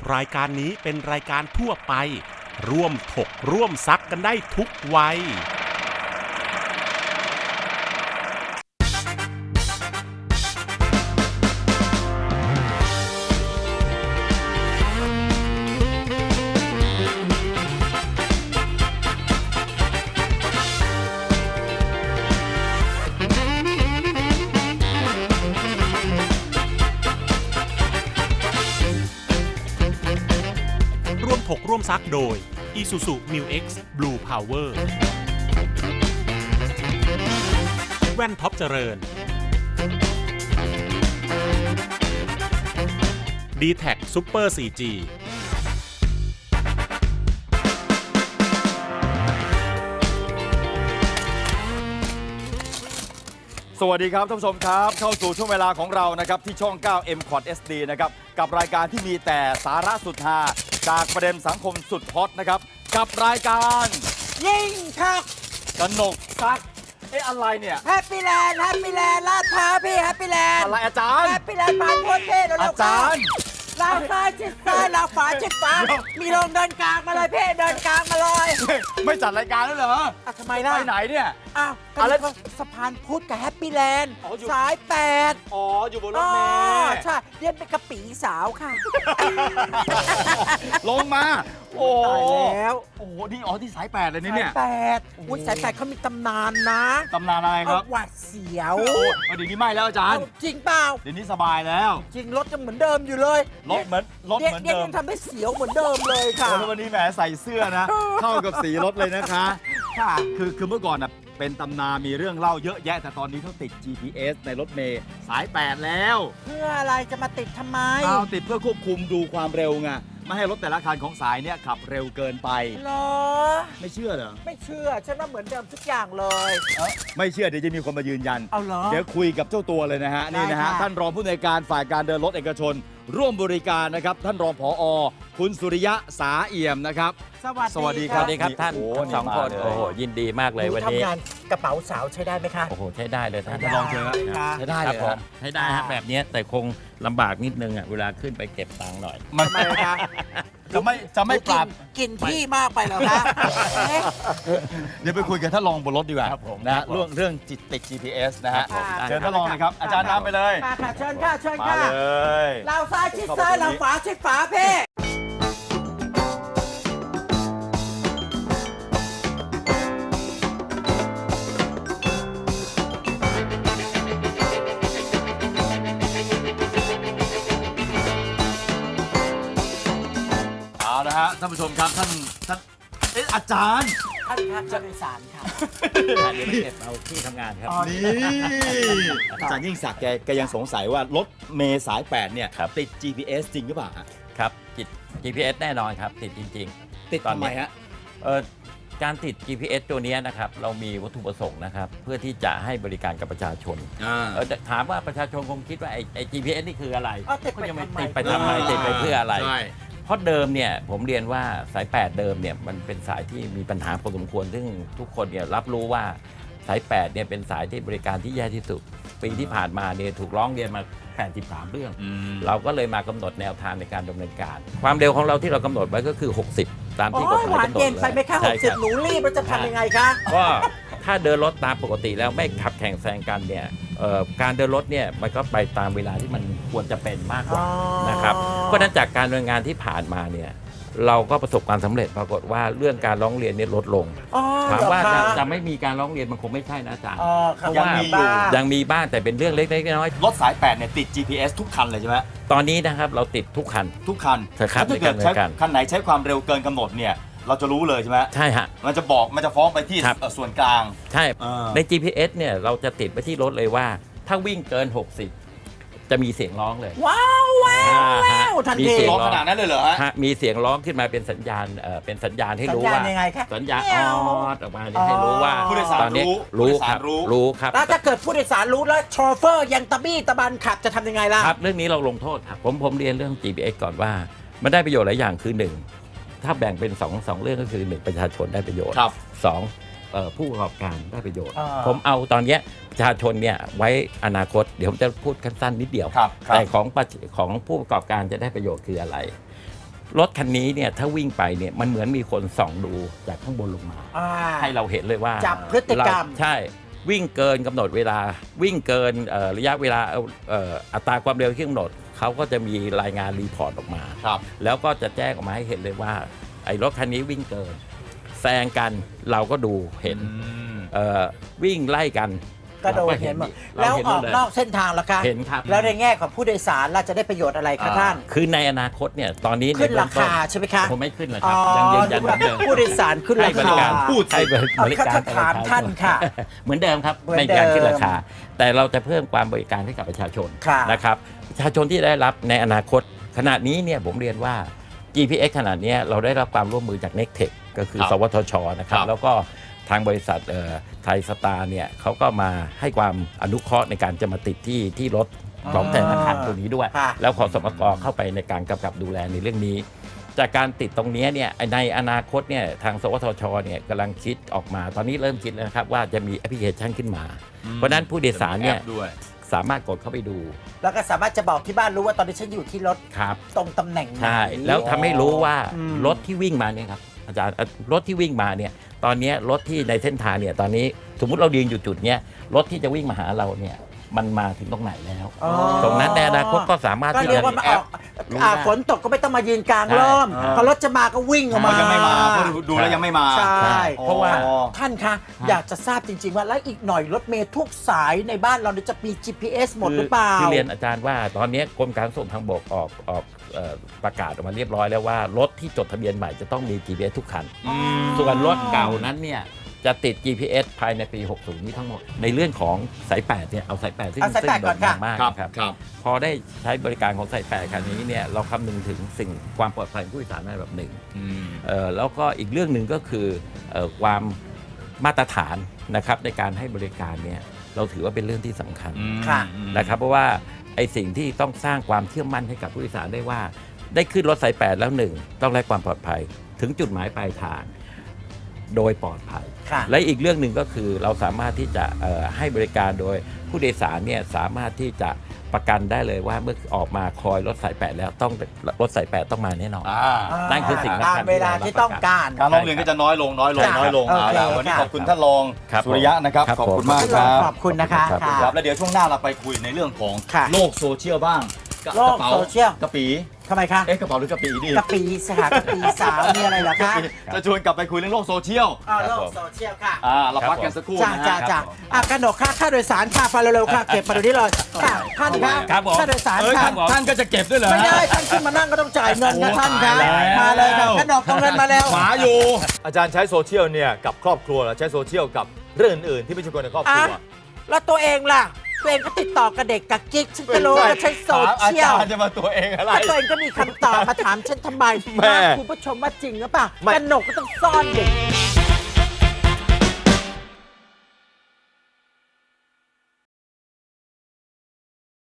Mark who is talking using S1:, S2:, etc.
S1: รายการนี้เป็นรายการทั่วไปร่วมถกร่วมซักกันได้ทุกวัยถกร่วมซักโดย Isuzu Mu X Blue Power แว่นท็อปเจริญ D-Tech Super 4G
S2: สวัสดีครับท่านผู้ชมครับเข้าสู่ช่วงเวลาของเรานะครับที่ช่อง 9 M Quad SD นะครับกับรายการที่มีแต่สาระสุดฮาจากประเด็นสังคมสุดฮอตนะครับกับรายการ
S3: ยิ่งชัก
S2: กนกซักอะไรเนี่ย
S3: แฮปปี้แลนด์ลาดพร้าวพี่แฮปปี้แลนด์
S2: อะไรอาจารย์
S3: แฮปปี้แลนด์บางโพเท่เร็วๆอา
S2: จารย์
S3: ลาวซ้ายชิดซ้ายลาวขวาชิดขวามีลงเดินกลางมาเลยพี่เดินกลางมาเลย
S2: ไม่จัดรายการแล้วเหรอ
S3: ทำไมล่ะ
S2: ไปไหนเนี่ย
S3: อ้าวอะไรสะพานพุทธกับแฮปปี้แลนด์สาย8
S2: อ๋ออยู่บนรถเมล์
S3: ใช่เรียนเป็นกะปีสาวค่ะ
S2: ลงมาโอ้
S3: ตายแล้ว
S2: โอ้นี่ที่สาย8เลยเนี่ย
S3: สาย8อุ้ยสาย8เขามีตำนานนะ
S2: ตำนานอะไรครับ
S3: หวาดเสียว
S2: เดี๋ยวนี้ไม่แล้วอาจารย์
S3: จริงเปล่า
S2: เดี๋ยวนี้สบายแล้ว
S3: จริงรถยังเหมือนเดิมอยู่เลย
S2: รถเหมือนเดิม
S3: ยังทำได้เสียวเหมือนเดิมเลยค่ะ
S2: วันนี้แหมใส่เสื้อนะเข้ากับสีรถเลยนะคะ
S3: ค่ะ
S2: คือเมื่อก่อนนะเป็นตำนานมีเรื่องเล่าเยอะแยะแต่ตอนนี้เขาติด GPS ในรถเมล์สาย8แล้ว
S3: เพื่ออะไรจะมาติดทำไม
S2: ติดเพื่อควบคุมดูความเร็วไงไม่ให้รถแต่ละคันของสายเนี่ยขับเร็วเกินไป
S3: เหรอ
S2: ไม่เชื่อเหรอ
S3: ไม่เชื่อฉันว่าเหมือนเดิมทุกอย่างเลย
S2: ไม่เชื่อเดี๋ยวจะมีคนมายืนยัน
S3: เอาเหรอ
S2: เดี๋ยวคุยกับเจ้าตัวเลยนะฮะนี่นะฮะท่านรองผู้อำนวยการฝ่ายการเดินรถเอกชนร่วมบริการนะครับท่านรองผอ.คุณสุริยะสาเอี่ยมนะครับ
S3: สวัสดี
S4: ครับท่านสองคนโอ้โหยินดีมากเลยวันนี้
S3: ทำงานกระเป๋าสาวใช้ได้ไหมคะ
S4: โอ้โหใช้ได้เลยท่าน
S2: ลองเชิญ
S4: ใช้ได้เลยใช้ได้ฮะแบบนี้แต่คงลำบากนิดนึงอ่ะเวลาขึ้นไปเก็บตังค์หน่อย
S3: ทำไมคะ
S2: จะไม่ปรับ
S3: กินที่มากไปเหรอคะ
S2: เดี๋ยวไปคุยกันท่านรองบนรถดีกว่านะเรื่องจิตติด GPS นะฮะเชิญท่านรองนะครับอาจารย์นำไปเลย
S3: ค่ะเชิญค่ะ
S2: เลย
S3: เราซ้ายชิดซ้ายเราขวาชิดขวาเพ่
S2: นะฮะท่านผู้ชมครับท่านอาจารย์
S3: ท่านโดยสารค่ะ
S4: เดี๋ยวไปเก็บเอาที่ทำงานครับ
S2: นี่อาจารย์ยิ่งศักดิ์แกยังสงสัยว่ารถเมล์สาย8เนี่ยติด GPS จริงหรือเปล่า
S4: ครับติด GPS แน่นอนครับติดจริง
S2: ๆติดทำไมฮะ
S4: การติด GPS ตัวนี้นะครับเรามีวัตถุประสงค์นะครับเพื่อที่จะให้บริการกับประชาชนถามว่าประชาชนคงคิดว่าไอ้ GPS นี่คืออะไร
S3: ก็ยังไม่
S4: ติดไปทำไมติดไปเพื่ออะไรเพราะเดิมเนี่ยผมเรียนว่าสาย8เดิมเนี่ยมันเป็นสายที่มีปัญหาพอสมควรซึ่งทุกคนเนี่ยรับรู้ว่าสาย8เนี่ยเป็นสายที่บริการที่แย่ที่สุดปีที่ผ่านมาเนี่ยถูกร้องเรียนมา83เรื่องเราก็เลยมากำหนดแนวทางในการดำเนินการความเร็วของเราที่เรากำหนดไว้ก็คือ60ตามที่กฎหมายกำหนดเลย
S3: ไปไหมคะ60หนูรีบมันจะทำยังไงคะ
S4: ก็ถ้าเดินรถตามปกติแล้วไม่ขับแข่งแซงกันเนี่ยการเดินรถเนี่ยมันก็ไปตามเวลาที่มันควรจะเป็นมากกว่านะครับเพราะฉะนั้นจากการดำเนินงานที่ผ่านมาเนี่ยเราก็ประสบความสำเร็จปรากฏว่าเรื่องการร้องเรียนเนี่ยลดลงถามว่าจะไม่มีการร้องเรียนมันคงไม่ใช่นะอาจารย์เพราะว่ายังมีบ้างแต่เป็นเรื่องเล็กๆน้อย
S2: ๆรถสาย8เนี่ยติด GPS ทุกคันเลยใช่ไหม
S4: ตอนนี้นะครับเราติดทุกคัน
S2: ถ้าเกิดคันไหนใช้ความเร็วเกินกำหนดเนี่ยเราจะรู้เลยใช่ไหม
S4: ใช่ฮะ
S2: มันจะฟ้องไปที่ส่วนกลาง
S4: ใช่ใน GPS เนี่ยเราจะติดไปที่รถเลยว่าถ้าวิ่งเกิน60จะมีเสียงร้องเลย
S3: ว้าวทันที
S2: ร้องขนาดนั้นเลยเหรอ
S4: ฮะมีเสียงร้องขึ้นมาเป็นสัญญาณให้รู้ว่าสัญญาณออกมาให้รู้ว่า
S2: ผู้โดยสาร
S4: รู้ครับ
S3: แล้วถ้าเกิดผู้โดยสารรู้แล้วโชเฟอร์ยังตะบี้ตะบันขับจะทำยังไงล่ะ
S4: ครับเรื่องนี้เราลงโทษครับผมเรียนเรื่อง GPS ก่อนว่ามันได้ประโยชน์หลายอย่างคือ1ถ้าแบ่งเป็น2เรื่องก็คือ1ประชาชนได้ประโยชน์2ผู้ประกอบการได้ประโยชน์ผมเอาตอนนี้ประชาชนเนี่ยไว้อนาคตเดี๋ยวผมจะพูดสั้นๆนิดเดียวแต่ของผู้ประกอบการจะได้ประโยชน์คืออะไรรถคันนี้เนี่ยถ้าวิ่งไปเนี่ยมันเหมือนมีคนส่องดูจากข้างบนลงมา ให้เราเห็นเลยว่า
S3: จับพฤติกรรม
S4: ใช่วิ่งเกินกำหนดเวลาวิ่งเกินระยะเวลาอัตราความเร็วที่กำหนดเขาก็จะมีรายงานรีพอร์ตออกมา
S2: ครับ
S4: แล้วก็จะแจ้งออกมาให้เห็นเลยว่าไอ้รถคันนี้วิ่งเกินแซงกันเราก็ดูเห็นวิ่งไล่กัน
S3: ก็โดนเห็นหมด
S4: เรา
S3: แล้ว
S4: เห็น
S3: ออก
S4: เลย
S3: นอกเส้นทางล่ะคะ
S4: เห็นครับ
S3: แล้วในแง่ของผู้โดยสารเราจะได้ประโยชน์อะไรคะท่าน
S4: คือในอนาคตเนี่ยตอนนี้
S3: ขึ้น
S4: ใเบื้
S3: รา
S4: องต้
S3: คาใช่ไหมคะ
S4: ผมไม่ขึ้นเลยค
S3: อ๋
S4: รั
S3: อบ
S4: ยังยืนยันเหมือนเดิม
S3: ผู้โดยสารขึ้น
S4: ให้
S3: รา
S4: บริ
S3: คา
S4: การ
S2: พูดสิ
S4: ให้บริการ
S3: เขาถามท่านค่ะ
S4: เหมือนเดิมครับ
S3: เหมือน
S4: ไม่มีการขึ้น
S3: เดิม
S4: ราคา แต่เราจะเพิ่มความบริการให้กับประชาชน
S3: ค่ะ
S4: นะครับประชาชนที่ได้รับในอนาคตขณะนี้เนี่ยผมเรียนว่า GPS ขนาดนี้เราได้รับความร่วมมือจาก Nectech ก็คือ
S2: ครับ
S4: สวทชนะครับ
S2: ครับ
S4: แล้วก็ทางบริษัทไทยสตาร์เนี่ยเขาก็มาให้ความอนุเคราะห์ในการจะมาติดที่รถของแต่ละคันตัวนี้ด้วย
S3: ค่ะ
S4: แล้วขอสมกเข้าไปในการกำกับดูแลในเรื่องนี้ จากการติดตรงนี้เนี่ยในอนาคตเนี่ยทางสวทชเนี่ยกำลังคิดออกมาตอนนี้เริ่มคิดแล้วนะครับว่าจะมีแอปพลิเคชันขึ้นมา เพราะฉะนั้นผู้โดยสารเนี่ย
S2: จะมีแอปด้วย
S4: สามารถกดเข้าไปดู
S3: แล้วก็สามารถจะบอกที่บ้านรู้ว่าตอนนี้ฉันอยู่ที่รถ
S4: ครับ
S3: ตรงตำแหน่งไหน
S4: ใช่แล้วทำให้รู้ว่า
S3: อืม
S4: รถที่วิ่งมาเนี่ยครับอาจารย์รถที่วิ่งมาเนี่ยตอนนี้รถที่ในเส้นทางเนี่ยตอนนี้สมมุติเรายืนอยู่จุดเนี้ยรถที่จะวิ่งมาหาเราเนี่ยมันมาถึงตรงไหนแล้ว
S3: อ๋อ
S4: ตรงนั้นในอนาคตก็สามารถ
S3: ก็
S4: ที่
S3: เรีย
S4: จะ
S3: กว่ามาออก
S4: รู้ได้
S3: ฝนตกก็ไม่ต้องมายืนกลางร่ม
S4: ใช่
S3: พอรถจะมาก็วิ่งออกมา
S2: ยังไม่มาเพราะดูแล้วยังไม่มา
S3: ใช่
S4: เพราะว่า
S3: ท่านคะอยากจะทราบจริง ๆ ว่าแล้วอีกหน่อยรถเมล์ทุกสายในบ้านเราเนี่ยจะมี GPS หมดหรือเปล่า
S4: คือเรียนอาจารย์ว่าตอนนี้กรมการขนส่งทางบกออกประกาศออกมาเรียบร้อยแล้วว่ารถที่จดทะเบียนใหม่จะต้องมี GPS ทุกคัน ส่วนรถเก่านั้นเนี่ยจะติด GPS ภายในปี 60 นี้ทั้งหมด ในเรื่องของสาย 8 เนี่ยเอาสาย 8 ซึ่ง
S3: เอาสาย
S4: ซึ่ง
S3: 8ก่อนค่ะ
S4: โด่งดังมาก
S2: ครับ
S4: นะครับ
S2: ครับ
S4: พอได้ใช้บริการของสาย 8 คันนี้เนี่ยเราคำนึงถึงสิ่งความปลอดภัยของผู้โดยสารในแบบหนึ่ง แล้วก็อีกเรื่องหนึ่งก็คือความมาตรฐานนะครับในการให้บริการเนี่ยเราถือว่าเป็นเรื่องที่สำคัญ
S3: ค่ะ
S4: นะครับเพราะว่าไอ้สิ่งที่ต้องสร้างความเชื่อมั่นให้กับผู้โดยสารได้ว่า ได้ขึ้นรถสาย 8 แล้วหนึ่งต้องได้ความปลอดภัยถึงจุดหมายปลายทางโดยปลอดภัย
S3: ค่ะ
S4: และอีกเรื่องหนึ่งก็คือเราสามารถที่จะให้บริการโดยผู้โดยสารเนี่ยสามารถที่จะประกันได้เลยว่าเมื่อออกมาคอยรถสาย 8 แล้วต้องรถสาย 8 ต้องมาแน่นอน นั่นคือสิ่งสำคัญ
S3: ตามเวลาที่ต้องการ
S2: การร้องเรียนก็จะน้อยลงน้อยลง
S3: ค่ะ
S2: น้อยลง
S3: โอเค
S2: เอาล่ะวันนี้
S3: ค่ะ
S2: ขอบคุณท่านรอง
S4: ครับ
S2: สุริยะนะครับ
S4: ครับ
S2: ขอบคุณ
S4: ผม
S2: มากครับ
S3: ขอบคุณนะคะ
S4: ครับ
S3: ค่ะ
S2: ครับแล้วเดี๋ยวช่วงหน้าเราไปคุยในเรื่องของ
S3: ค่ะ
S2: โลกโซเชียลบ้าง
S3: โลกโซเชียล
S2: กระปี
S3: ทำไมคะ
S2: เอ๊ะกระเป๋าหรือกระปีดี
S3: กะปีสหกะปีสาวมีอะไรเหรอคะ
S2: จะชวนกลับไปคุยเรื่องโลกโซเชียล
S3: โลกโซเชียลค่ะ
S2: เราพักกันสักครู่
S3: จ้า
S2: นะ
S3: จ้า
S2: ฮะ
S3: จ้ากระหนกค่าโดยสารค่ะไปเร็วๆค่ะเก็บมาเดี๋ยวนี้เลยค่ะท่านคะ
S4: ครับผม
S3: ค่าโดยสาร
S2: เอ้ย
S3: ค่ะ
S2: ท่านก็จะเก็บด้วยเหรอ
S3: ไม่
S2: ฮะ
S3: ได้ท่านขึ้นมานั่งก็ต้องจ่ายเงินนะท่านคะ
S2: โอ้ตายแล้ว
S3: มาเลยค่ะกระหนกเอาเงินมาแล้ว
S2: หมาอยู่ อาจารย์ใช้โซเชียลเนี่ยกับครอบครัวหรือใช้โซเชียลกับเรื่องอื่นๆที่ไม่ใช่คนในครอบครัว
S3: อ่ะ แล้วตัวเองล่ะตัวเองก็ติดต่อกับเด็กกับกิ๊กฉันจะรู้ว่าใช้โซเชียล
S2: อาจารย์จะมาตัวเองอะไร
S3: ถ้าตัวเองก็มีคำตอบมาถามฉันทำไม
S2: แม่
S3: คุณผู้ชมว่าจริงหรือเปล่า
S2: ไม่
S3: กระหนกก็ต้องซ่อนเด็ก